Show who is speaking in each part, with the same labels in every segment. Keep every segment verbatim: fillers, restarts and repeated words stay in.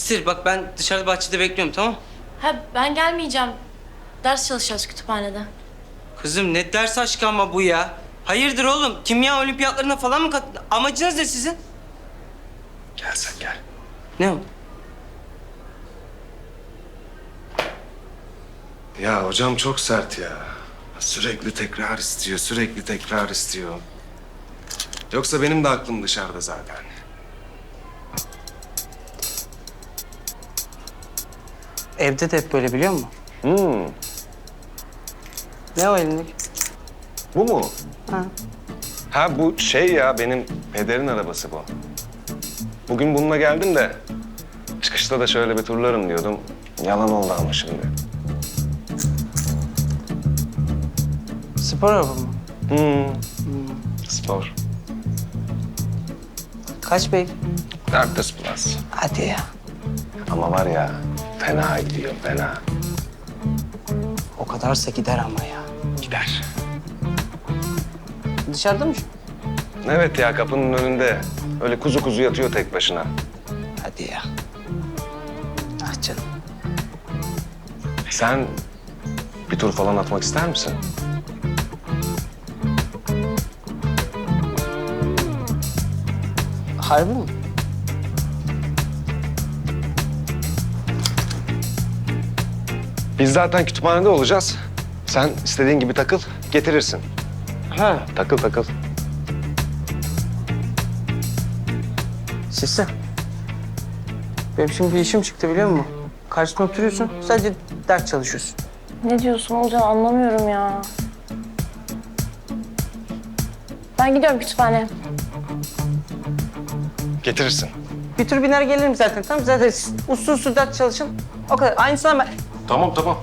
Speaker 1: Sır bak ben dışarıda bahçede bekliyorum tamam.
Speaker 2: Ha ben gelmeyeceğim. Ders çalışacağız kütüphanede.
Speaker 1: Kızım ne ders aşkı ama bu ya. Hayırdır oğlum? Kimya olimpiyatlarına falan mı kat... Amacınız ne sizin?
Speaker 3: Gel sen gel.
Speaker 1: Ne o?
Speaker 3: Ya hocam çok sert ya. Sürekli tekrar istiyor, sürekli tekrar istiyor. Yoksa benim de aklım dışarıda zaten.
Speaker 1: Evde de hep böyle biliyor musun?
Speaker 3: Hmm,
Speaker 1: Ne o elindeki?
Speaker 3: bu mu?
Speaker 1: Ha.
Speaker 3: Ha bu şey ya, benim pederin arabası bu. Bugün bununla geldim de çıkışta da şöyle bir turlarım diyordum. Yalan oldu ama şimdi.
Speaker 1: Spor araba mı?
Speaker 3: Hmm, spor.
Speaker 1: Kaç bey?
Speaker 3: dört yüz plus.
Speaker 1: Hadi ya.
Speaker 3: Ama var ya, fena gidiyor, fena.
Speaker 1: O kadarsa gider ama ya.
Speaker 3: Gider.
Speaker 1: Dışarıda mı şu?
Speaker 3: Evet ya, kapının önünde. Öyle kuzu kuzu yatıyor tek başına.
Speaker 1: Hadi ya. Ah canım.
Speaker 3: Sen bir tur falan atmak ister misin?
Speaker 1: Harbi mi?
Speaker 3: Biz zaten kütüphanede olacağız. Sen istediğin gibi takıl, getirirsin.
Speaker 1: Ha.
Speaker 3: Takıl takıl.
Speaker 1: Sisi. Benim şimdi bir işim çıktı biliyor musun? Karşısına oturuyorsun, sadece ders çalışıyorsun.
Speaker 2: Ne diyorsun Olcan anlamıyorum ya. Ben gidiyorum kütüphaneye.
Speaker 3: Getirirsin.
Speaker 1: Bir tur biner gelirim zaten tamam zaten siz uslu uslu ders çalışın. O kadar. Aynısını ben...
Speaker 3: Tamam tamam.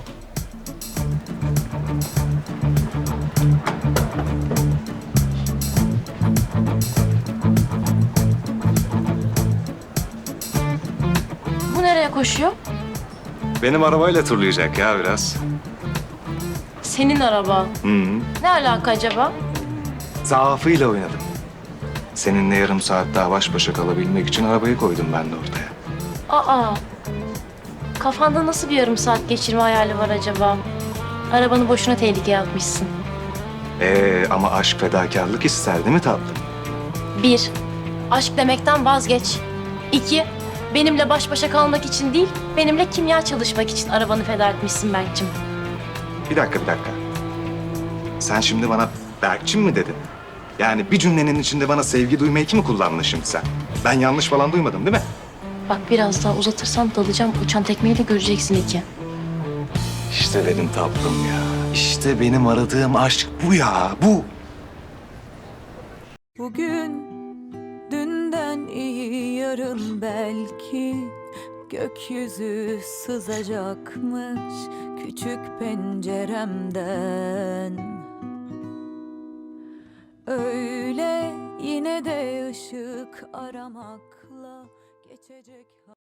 Speaker 2: Bu nereye koşuyor?
Speaker 3: Benim arabayla turlayacak ya biraz.
Speaker 2: Senin araba.
Speaker 3: Hı hı.
Speaker 2: Ne alaka acaba?
Speaker 3: Zaafıyla oynadım. Seninle yarım saat daha baş başa kalabilmek için arabayı koydum ben de ortaya.
Speaker 2: Aa. Kafanda nasıl bir yarım saat geçirme hayali var acaba? Arabanı boşuna tehlikeye atmışsın.
Speaker 3: Ee, ama aşk fedakarlık ister değil mi tatlım?
Speaker 2: Bir, aşk demekten vazgeç. İki, benimle baş başa kalmak için değil, benimle kimya çalışmak için arabanı feda etmişsin Berk'cim.
Speaker 3: Bir dakika bir dakika. Sen şimdi bana Berkçim mi dedin? Yani bir cümlenin içinde bana sevgi duyma eki mi kullandın şimdi sen? Ben yanlış falan duymadım değil mi?
Speaker 2: Bak biraz daha uzatırsan dalacağım, uçan tekmeyle göreceksin iki.
Speaker 3: İşte benim tatlım ya. İşte benim aradığım aşk bu ya, bu.
Speaker 4: Bugün dünden iyi yarın belki gökyüzü sızacakmış küçük penceremden. Öyle yine de ışık aramakla geçecek.